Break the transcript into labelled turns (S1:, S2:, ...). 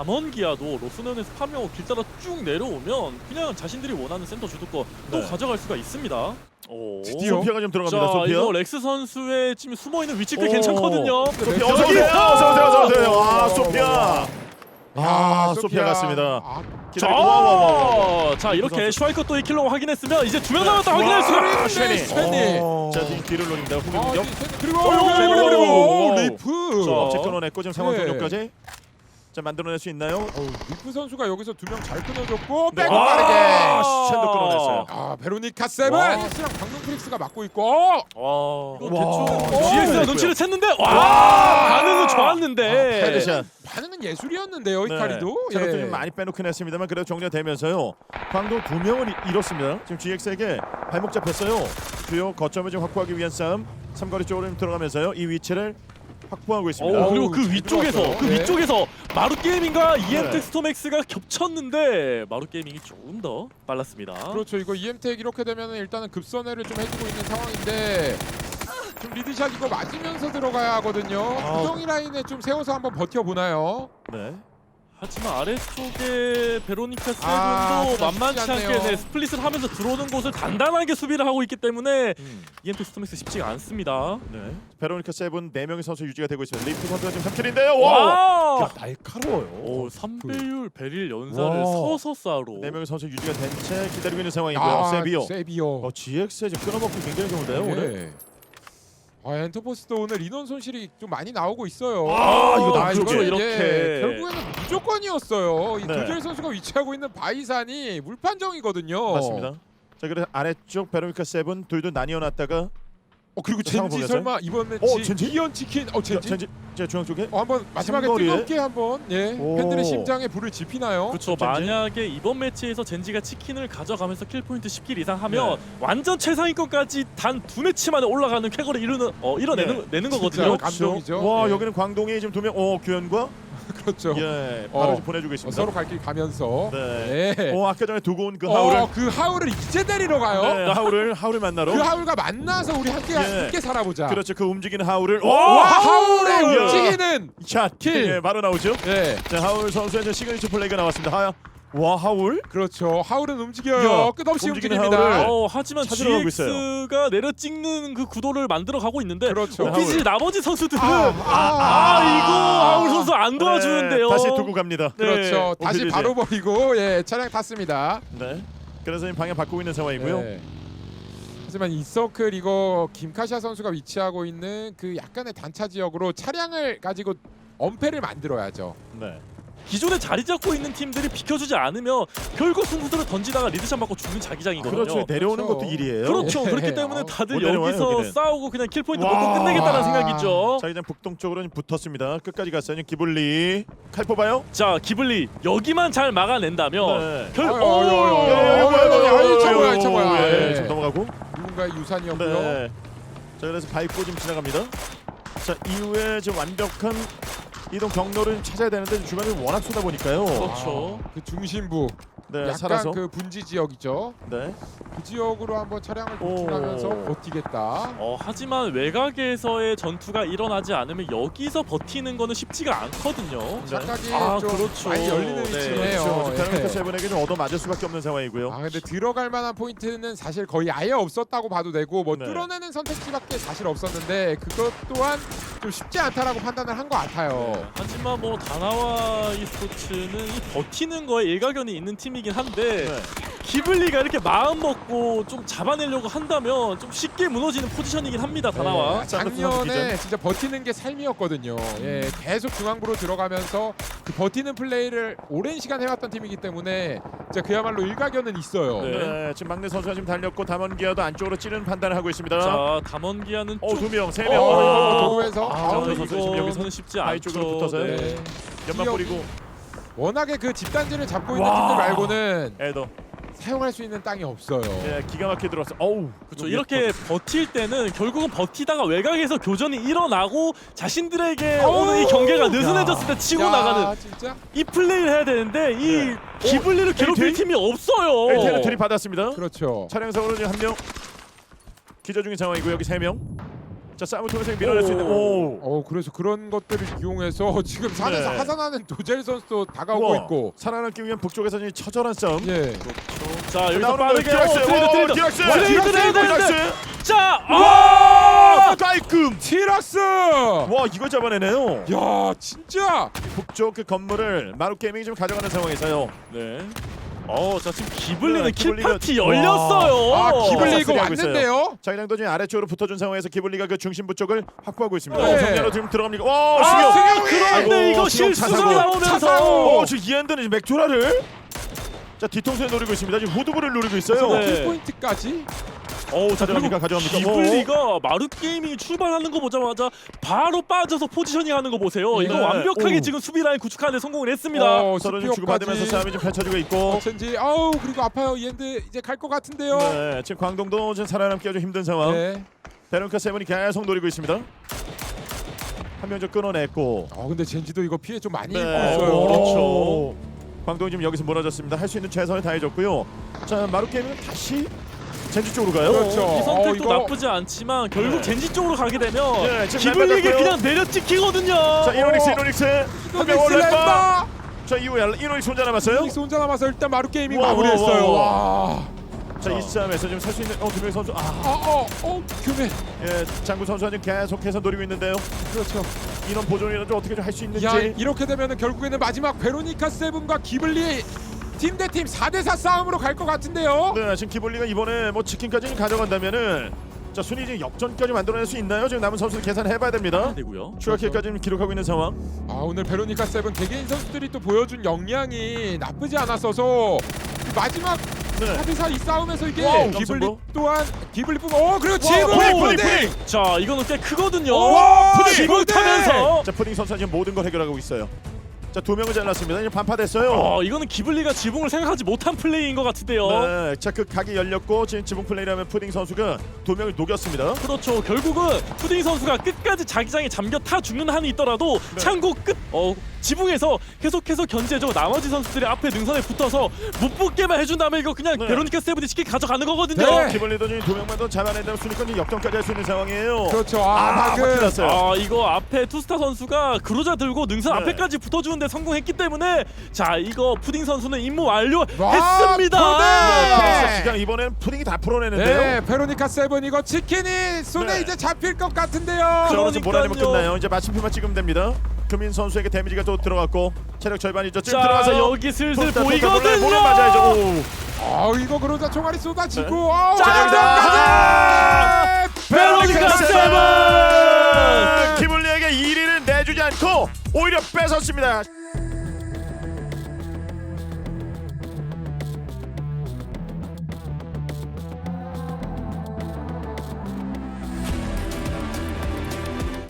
S1: 담원기아도 로스넌에서 파밍하고 길 따라 쭉 내려오면 그냥 자신들이 원하는 센터 주도권 또
S2: 네.
S1: 가져갈 수가 있습니다. 오.
S3: 드디어?
S2: 소피아가 좀 들어갑니다.
S1: 자,
S2: 소피아.
S1: 이거 렉스 선수의 지금 숨어있는 위치가
S2: 오.
S1: 괜찮거든요.
S2: 소피아 어서 오세요. 어서 오세요. 아, 소피아. 아,
S3: 야,
S2: 소피아 갔습니다.
S3: 아,
S1: 자, 자
S2: 선수.
S1: 이렇게 슈와이커 또이 킬로 확인했으면 이제 2명 남았다 확인할 수가.
S2: 와,
S3: 쉐니.
S2: 쉐니.
S3: 오.
S2: 자, 지금 뒤를 노립니다. 후비
S3: 아,
S2: 공격.
S3: 그리고
S2: 오.
S3: 리프.
S1: 자,
S2: 업체 끊어냈고 지금 상황
S3: 네.
S2: 종료까지. 자, 만들어낼 수 있나요?
S3: 리프 선수가 여기서 2명 잘 끊어줬고
S2: 네.
S3: 빼고
S2: 아,
S3: 빠르게.
S2: 샌도 끊어냈어요.
S3: 아, 베로니카 세븐.
S1: 와.
S3: 스랑 강동 프릭스가 막고 있고.
S1: 와,
S2: 와.
S1: 대충 GX가
S2: 오.
S1: 눈치를 챘는데 와, 반응은
S3: 아,
S1: 좋았는데.
S2: 헤드샷.
S3: 반응은 예술이었는데요, 이카리도.
S2: 체력도
S3: 예.
S2: 좀 많이 빼놓긴 했습니다만 그래도 정리되면서요. 광동 2명을 잃었습니다. 지금 GX에게 발목 잡혔어요. 주요 거점을 좀 확보하기 위한 싸움. 삼거리 쪽으로 좀 들어가면서요. 이 위치를 확보하고 있습니다.
S1: 오, 그리고
S3: 어우,
S1: 그
S3: 잘
S1: 위쪽에서
S3: 들어왔어요.
S1: 그
S3: 네.
S1: 위쪽에서 마루 게이밍과
S2: 네.
S1: EM텍 스톰엑스가 겹쳤는데 마루 게이밍이 조금 더 빨랐습니다.
S3: 그렇죠. 이거 EM텍 이렇게 되면 일단은 급선회를 좀 해주고 있는 상황인데 좀 리드샷 이거 맞으면서 들어가야 하거든요. 구덩이 라인에 좀 세워서 한번 버텨보나요?
S2: 네.
S1: 하지만 아래쪽에 베로니카 세븐도
S3: 아,
S1: 만만치
S3: 쉽지
S1: 않게
S3: 않네요.
S1: 스플릿을 하면서 들어오는 곳을 단단하게 수비를 하고 있기 때문에
S2: 음.
S1: EM텍 스톰엑스 쉽지가 않습니다.
S2: 네. 베로니카 세븐 4명의 선수 유지가 되고 있습니다. 리프 선수가 지금 3킬인데요. 와!
S1: 와!
S2: 야, 날카로워요.
S1: 오, 3배율 베릴 연사를
S2: 와.
S1: 서서 쏴로.
S2: 4명의 선수 유지가 된 채 기다리고 있는 상황이고요.
S3: 아,
S2: 세비오.
S3: 세비오.
S2: GX에 지금 끊어먹기 굉장히 좋은데요, 오늘.
S3: 네. 아, 엔터포스도 오늘 인원 손실이 좀 많이 나오고 있어요.
S2: 아, 이거 남쪽에
S3: 이거는
S1: 이렇게.
S3: 이제 결국에는 무조건이었어요. 이
S2: 네.
S3: 도젤 선수가 위치하고 있는 바이산이 물판정이거든요.
S2: 맞습니다. 자, 그래서 아래쪽 베로니카 세븐 둘도 나뉘어 놨다가
S3: 그리고
S2: 상황
S3: 젠지
S2: 보겠어요?
S3: 설마 이번 매치
S2: 젠지?
S3: 기현 치킨. 젠지.
S2: 젠지 제 중앙 쪽에
S3: 한번 마지막에
S2: 삼거리에?
S3: 뜨겁게 한번
S2: 오.
S3: 팬들의 심장에 불을 지피나요?
S1: 그렇죠.
S2: 젠지?
S1: 만약에 이번 매치에서 젠지가 치킨을 가져가면서 킬 포인트 10킬 이상 하면
S2: 네.
S1: 완전 최상위권까지 단 2매치 만에 올라가는 쾌거를 이뤄내는 내는 거거든요.
S3: 진짜. 감동이죠.
S2: 와,
S3: 예.
S2: 여기는 광동이 지금 2명. 규현과
S3: 그렇죠.
S2: 예, 바로
S3: 어.
S2: 지금 보내주고 있습니다.
S3: 서로 갈 길 가면서.
S2: 네.
S3: 네.
S2: 아까 전에 두고 온 그 하울을
S3: 그 하울을 이제 데리러 가요.
S2: 네, 하울을 만나러.
S3: 그 하울과 만나서 우리 함께 살아보자.
S2: 그렇죠. 그 움직이는 하울을
S3: 와, 하울의
S2: 하울!
S3: 움직이는
S2: 샷
S3: 킬.
S2: 예, 바로 나오죠.
S3: 네.
S2: 자, 하울 선수의 이제 시그니처 플레이가 나왔습니다. 와, 하울.
S3: 그렇죠. 하울은 움직여요.
S2: 야,
S3: 끝없이
S2: 움직이는
S3: 움직입니다.
S2: 하울을.
S1: 하지만
S2: 찾으러 가고 있어요.
S1: GX가 내려 찍는 그 구도를 만들어 가고 있는데
S3: 그렇죠.
S1: 혹시 나머지 선수들은
S3: 아,
S1: 이거 하울 선수 안 도와주는데요.
S2: 네, 다시 두고 갑니다.
S1: 네.
S3: 그렇죠. 다시
S2: 오피디제.
S3: 바로 버리고 차량 탔습니다.
S2: 네. 그래서 지금 방향 바꾸고 있는 상황이고요.
S3: 네. 하지만 이 서클 이거 김카샤 선수가 위치하고 있는 그 약간의 단차 지역으로 차량을 가지고 엄폐를 만들어야죠.
S2: 네.
S1: 기존에 자리 잡고 있는 팀들이 비켜주지 않으면 결국 승부수를 던지다가 리드샷 맞고 죽는 자기장이거든요.
S2: 그렇죠. 내려오는
S3: 그렇죠.
S2: 것도 일이에요.
S1: 그렇죠.
S3: 예.
S1: 그렇기 때문에 다들
S2: 못 내려와요,
S1: 여기서
S2: 여기는.
S1: 싸우고 그냥 킬 포인트
S2: 와.
S1: 먹고 끝내겠다는 생각이죠.
S2: 자기장 북동쪽으로 붙었습니다. 끝까지 갔어요. 지금 기블리 칼 뽑아요.
S1: 자, 기블리 여기만 잘 막아낸다면
S2: 네.
S1: 결
S3: 아유, 이 차 뭐야.
S2: 예, 좀 넘어가고.
S3: 누군가의 유산이었고요.
S2: 네. 자, 그래서 밟고 지금 지나갑니다. 자, 이후에 지금 완벽한 이동 경로를 찾아야 되는데 주변이 워낙 쏟아 보니까요.
S1: 그렇죠.
S3: 그 중심부
S2: 네,
S3: 약간
S2: 살아서.
S3: 그 분지 지역이죠.
S2: 네.
S3: 그 지역으로 한번 차량을
S2: 오.
S3: 도출하면서 버티겠다.
S1: 하지만 외곽에서의 전투가 일어나지 않으면 여기서 버티는 거는 쉽지가 않거든요.
S3: 착각이 좀
S1: 그렇죠.
S3: 많이 열리는
S1: 네,
S3: 위치네요.
S2: 그렇죠. 베로니카
S3: 예.
S2: 세븐에게 좀 얻어 맞을 수밖에 없는 상황이고요.
S3: 아 근데 들어갈 만한 포인트는 사실 거의 아예 없었다고 봐도 되고 뭐
S2: 네.
S3: 뚫어내는 선택지밖에 사실 없었는데 그것 또한 좀 쉽지 않다라고 판단을 한 것 같아요.
S1: 하지만 뭐 다나와 e스포츠는 이 버티는 거에 일가견이 있는 팀이긴 한데
S2: 네.
S1: 기블리가 이렇게 마음 먹고 좀 잡아내려고 한다면 좀 쉽게 무너지는 포지션이긴 합니다. 다나와.
S3: 네,
S2: 샌더스 선수
S3: 작년에
S2: 기준.
S3: 진짜 버티는 게 삶이었거든요. 예, 계속 중앙부로 들어가면서 그 버티는 플레이를 오랜 시간 해왔던 팀이기 때문에 진짜 그야말로 일가견은 있어요.
S1: 네.
S2: 네, 지금 막내 선수가 지금 달렸고 담원기아도 안쪽으로 찌르는 판단을 하고 있습니다.
S1: 자, 담원기아는
S2: 두 명, 세
S3: 어,
S2: 명.
S3: 이거 도로에서
S2: 저 선수 지금 여기서
S1: 이거는 쉽지
S2: 바위
S1: 않죠.
S2: 쪽으로 붙어서요.
S1: 네.
S2: 연막 뿌리고
S3: 워낙에 그 집단지를 잡고 있는
S2: 와.
S3: 팀들 말고는
S2: 에더.
S3: 사용할 수 있는 땅이 없어요.
S2: 예, 기가 막히게 들어왔어. 어우.
S1: 그렇죠. 이렇게 버틸 때는 결국은 버티다가 외곽에서 교전이 일어나고 자신들에게 오는 이 경계가 느슨해졌을 때 치고
S3: 야,
S1: 나가는
S3: 진짜
S1: 이 플레이를 해야 되는데 이
S2: 네.
S1: 기블리를 괴롭힐
S2: LT?
S1: 팀이 없어요.
S2: LT는 들이받았습니다.
S3: 그렇죠.
S2: 차량상으로 지금 한 명 기저 중인 상황이고 여기 세 명. 자 싸움을 통해서 밀어낼 수 있는. 오.
S3: 그래서 그런 것들을 이용해서 지금 산에서
S2: 네.
S3: 하산하는 도젤 선수도 다가오고
S2: 우와,
S3: 있고.
S2: 살아남기 위한 북쪽에서 지금 처절한 싸움.
S3: 예.
S1: 자 여기서
S2: 나오는
S1: 빠르게
S2: 거예요.
S1: 트레이드
S2: 디락스.
S1: 트레이드
S2: 디락스.
S1: 자
S2: 깔끔.
S3: 티락스.
S2: 와 이거 잡아내네요.
S3: 야 진짜.
S2: 북쪽 그 건물을 마루 게이밍이 좀 가져가는 상황에서요.
S1: 네. 자 지금 기블리는
S2: 네,
S1: 킬
S2: 기블리가-
S1: 파티 열렸어요.
S3: 아 기블리 이거
S2: 하고 있어요.
S3: 왔는데요.
S2: 자 이랑도 지금 아래쪽으로 붙어준 상황에서 기블리가 그 중심부 쪽을 확보하고 있습니다.
S3: 네.
S2: 정면으로 지금 들어갑니까? 와
S1: 아,
S2: 수경.
S1: 그런데
S2: 아이고,
S1: 이거
S2: 수경
S1: 실수가
S2: 차사고.
S1: 나오면서
S3: 차사고.
S2: 지금 이한드는 맥주라를 자 뒤통수에 노리고 있습니다. 지금 후두부를 노리고 있어요.
S1: 네.
S3: 킬 포인트까지.
S2: 가져갑니까? 가져갑니까?
S1: 기블리가 마루 게이밍이 출발하는 거 보자마자 바로 빠져서 포지셔닝 하는 거 보세요. 이거
S2: 네.
S1: 완벽하게
S2: 오.
S1: 지금 수비 라인 구축하는 데 성공을 했습니다.
S2: 서로 좀 주고받으면서 싸움이 좀 펼쳐지고 있고.
S3: 첸지. 그리고 아파요. 이엔드 이제 갈 것 같은데요.
S2: 네, 지금 광동도 지금 살아남기가 좀 힘든 상황.
S3: 네.
S2: 베론카 세븐이 계속 노리고 있습니다. 한 명 좀 끊어냈고.
S3: 근데 젠지도 이거 피해 좀 많이
S2: 네.
S3: 입고 있어요.
S2: 그렇죠. 광동이 지금 여기서 무너졌습니다. 할 수 있는 최선을 다해줬고요. 자 마루 게임은 다시 젠지 쪽으로 가요.
S3: 그렇죠.
S1: 이 선택도
S3: 이거-
S1: 나쁘지 않지만 결국
S2: 네.
S1: 젠지 쪽으로 가게 되면
S2: 네, 지금
S1: 기블리게
S2: 램바
S1: 그냥 내려 찍히거든요.
S2: 자 이노닉스 한명
S3: 믹스
S2: 올렸다.
S3: 램바.
S2: 자 이후에 이노닉스 혼자 남았어요.
S3: 믹스 혼자 남아서 일단 마루 게이밍
S2: 와,
S3: 마무리했어요.
S2: 와,
S3: 와.
S2: 자 이 싸움에서 지금 살 수 있는 두명 선수.
S3: 규메.
S2: 예, 장구 선수가 지금 계속해서 노리고 있는데요.
S3: 그렇죠.
S2: 이런 보존이라도 어떻게 좀 할 수 있는지.
S3: 야 이렇게 되면은 결국에는 마지막 베로니카 세븐과 기블리 팀 대 팀 4대4 싸움으로 갈 것 같은데요.
S2: 네, 지금 기블리가 이번에 뭐 치킨까지 가져간다면은 자 순위 지금 역전까지 만들어낼 수 있나요? 지금 남은 선수들 계산해봐야 됩니다.
S1: 되고요.
S2: 추가킬까지 지금 기록하고 있는 상황.
S3: 오늘 베로니카 세븐 개개인 선수들이 또 보여준 역량이 나쁘지 않았어서 마지막
S2: 네.
S3: 4대4 이 싸움에서 이게
S2: 와우,
S3: 기블리
S2: 점승부.
S3: 또한 기블리뿐 그리고 지금
S2: 푸딩.
S1: 자 이거는 꽤 크거든요.
S3: 와, 푸딩!
S1: 지붕 타면서
S2: 자 푸딩 선수가 지금 모든 걸 해결하고 있어요. 자 두 명을 잘랐습니다. 이제 반파됐어요.
S1: 이거는 기블리가 지붕을 생각하지 못한 플레이인 것 같은데요.
S2: 네, 자 그 각이 열렸고 지금 지붕 플레이라면 푸딩 선수가 두 명을 녹였습니다.
S1: 그렇죠. 결국은 푸딩 선수가 끝까지 자기장에 잠겨 타 죽는 한이 있더라도
S2: 네.
S1: 창고 끝 지붕에서 계속해서 견제해줘. 나머지 선수들이 앞에 능선에 붙어서 못 붙게만 해준 다음에 이거 그냥
S2: 네.
S1: 베로니카 세븐이 쉽게 가져가는 거거든요.
S3: 네.
S2: 기블리도 지금 두 명만 더 잡아낸다면 순위권이 역전까지 할 수 있는 상황이에요.
S3: 그렇죠.
S2: 바퀴
S3: 방금
S2: 났어요.
S1: 이거 앞에 투스타 선수가 그로자 들고 능선
S2: 네.
S1: 앞에까지 붙어주는데 성공했기 때문에 자 이거 푸딩 선수는 임무
S3: 와,
S1: 완료했습니다.
S3: 푸딩!
S2: 패스 시간 이번엔 푸딩이 다 풀어내는데요.
S3: 네, 베로니카 세븐 이거 치킨이 손에
S2: 네.
S3: 이제 잡힐 것 같은데요.
S2: 자, 오늘 지금 몰아내면
S1: 그러니까요.
S2: 끝나요. 이제 마침표만 찍으면 됩니다. 규민 선수에게 데미지가 또 들어갔고 체력 절반이죠. 지금
S1: 자
S2: 들어가서
S1: 여기 슬슬
S2: 토스타,
S1: 보이거든요.
S2: 몰래 맞아야죠. 오.
S3: 이거 그러자 총알이 쏟아지고
S2: 네.
S3: 자,
S1: 베로니카 세븐!
S2: 기블리에게 1위를 내주지 않고 오히려 뺏었습니다.